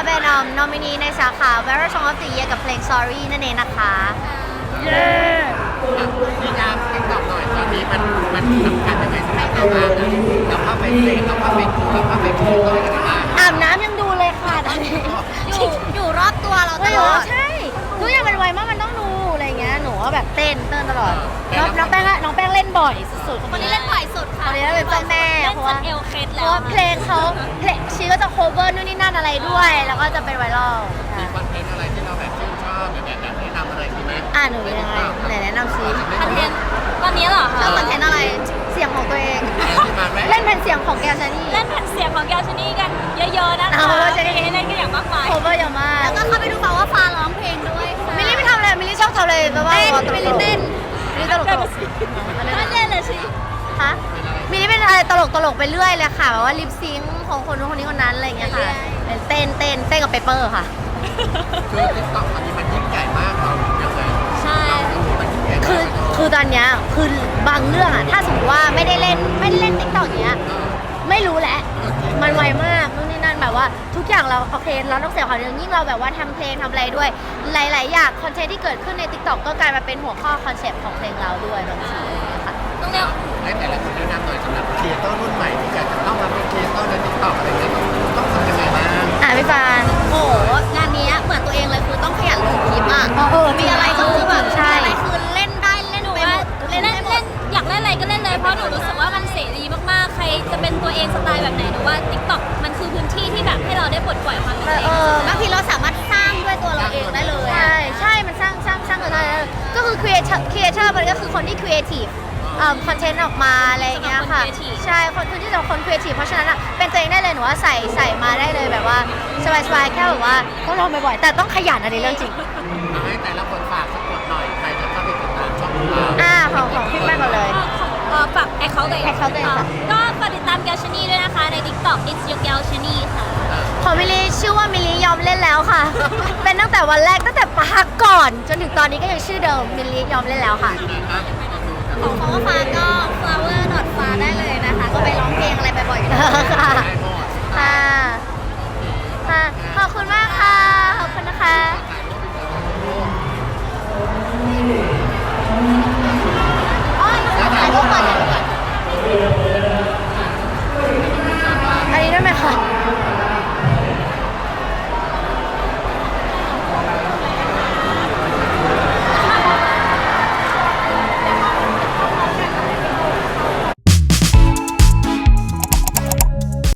เป็นนอมินีในสาขา Viral Song of the Year กับเพลง Sorry นั่นเองนะคะเย้พี่ยามติ๊กต็อกหน่อยตอนนี้มันสำคัญยังไงสำหรับเราบ้างนะเราเข้าไปเล่นเราเข้าไปดูเราเข้าไปดูเราอะไรบ้างอาบน้ำยังดูเลยค่ะตอนนี้อยู่รอบตัวเราตไม่ลรู้อดใช่ทุกอย่างมันไวมากมันต้องดูอะไรเงี้ยหนูว่าแบบเต้นตลอดน้องแป้งเล่นบ่อยสุดๆคนนี้เล่นบ่อยสุดค่ะคนนี้เป็นเจ้าแม่เล่นเพราะจว่านเอวเคล็ดเพแล้วราะว่าเพลงเขาเพลงชีก็จะ cover นู่นนี่นั่นอะไรด้วย แล้วก็จะเป็นไวรัลมีคอนเทนต์อะไรที่เราแบบชื่นชอบแบบแนะนำอะไรดีไหมหนูยังไงไหนแนะนำซิคอนเทนต์ตอนนี้เหรอชคะอบคอนเทนต์อะไรเสียงของตัวเองที่มาแรกเล่นเป็นเสียงของแกวชานี่เล่นแผ่นเสียงของแกวชนีกันเยอะๆนะคะเอาว่าจะได้มีให้เล่นกันอย่างมากมาย cover เยอะมากแล้วก็เข้าไปดูเขาว่าฟ้าร้องเพลงด้วยค่ะมิลลี่ไม่ทำอะไรมิลลี่ชอบทำอะไรแบบว่าเต้นตลกๆมิลลี่เต้นมิลลี่ตลกไม่เล่นเลยสิฮะมิลลี่เป็นอะไรตลกไปเรื่อยเลยค่ะแบบว่าลิปซิงค์ของคนนู้นคนนี้คนนั้นอะไรอย่างเงี้ยค่ะเต้นกับเปเปอร์ค่ะคือติ๊กต็อกตอนนี้มันยิ่งใหญ่มากเรายังไงใช่มันยิ่งใหญ่มากคือตอนเนี้ยคือบางเรื่องอะถ้าสมมติว่าไม่ได้เล่นติ๊กต็อกเนี้ยไม่รู้แหละมันไวมากนู่นนี่นั่นแบบว่าทุกอย่างเราโอเคเราต้องเสียความเรื่องยิ่งเราแบบว่าทำเพลงทำอะไรด้วย หลาย ๆ อย่างคอนเทนต์ที่เกิดขึ้นใน TikTok ก็กลายมาเป็นหัวข้อคอนเซปต์ของเพลงเราด้วยบางทีอะไรอย่างเงี้ยค่ะต้องเรียกให้แต่ละคนแนะนำหน่อยสำหรับครีเอเตอร์รุ่นใหม่ที่อยากจะเข้ามาเป็นครีเอเตอร์ในติ๊กต็อกอะไรเงี้ยต้องทำยังไงบ้างพี่ฟานโอ้โหงานนี้เหมือนตัวเองเลยคือต้องขยันลงคลิปอ่ะมีมีอะไรก็คือแบบใช่มีอะไรคือเล่นได้เล่นไปหมดเล่นอยากเล่นอะไรก็เล่นเลยเพราะหนูรู้สึกว่ามันเสรีมากๆใครจะเป็นตัวเองสไตล์แบบไหนหนูว่า TikTok มันคือพื้นที่ที่แบบให้เราได้ปลดปล่อยความเป็นตัวเองบางทีเราสามารถสร้างด้วยตัวเราเองได้เลยใช่มันสร้างกันได้ก็คือ creator มันก็คือคนที่ creative คอนเทนต์ออกมาอะไรอย่างเงี้ยค่ะ ใช่คนที่จะคน creative เพราะฉะนั้นอะเป็นตัวเองได้เลยหนูว่าใส่มาได้เลยแบบว่าสบายๆแค่แบบว่าต้องลองบ่อยๆแต่ต้องขยันอันนี้เรื่องจริงให้แต่ละคนฝากสักหน่อยใครจะเข้าไปติดตามช่องเราของพี่แป้งก่อนเลยฝากแอคเคาท์ตัวเอง account ตัวเองค่ะก็ฝากติดตามแกลชนีด้วยนะคะใน TikTok It's Your Gal Chani ค่ะของมิลลี่ชื่อว่ามิลลี่ยอมเล่นแล้วค่ะ เป็นตั้งแต่วันแรกตั้งแต่พักก่อน จนถึงตอนนี้ก็ยังชื่อเดิมมิลลี่ยอมเล่นแล้วค่ะของฟ้าก็ flower ฟ้าได้เลยนะคะ ก็ไปร้องเพลงอะไรบ่อยๆได้ค่ะ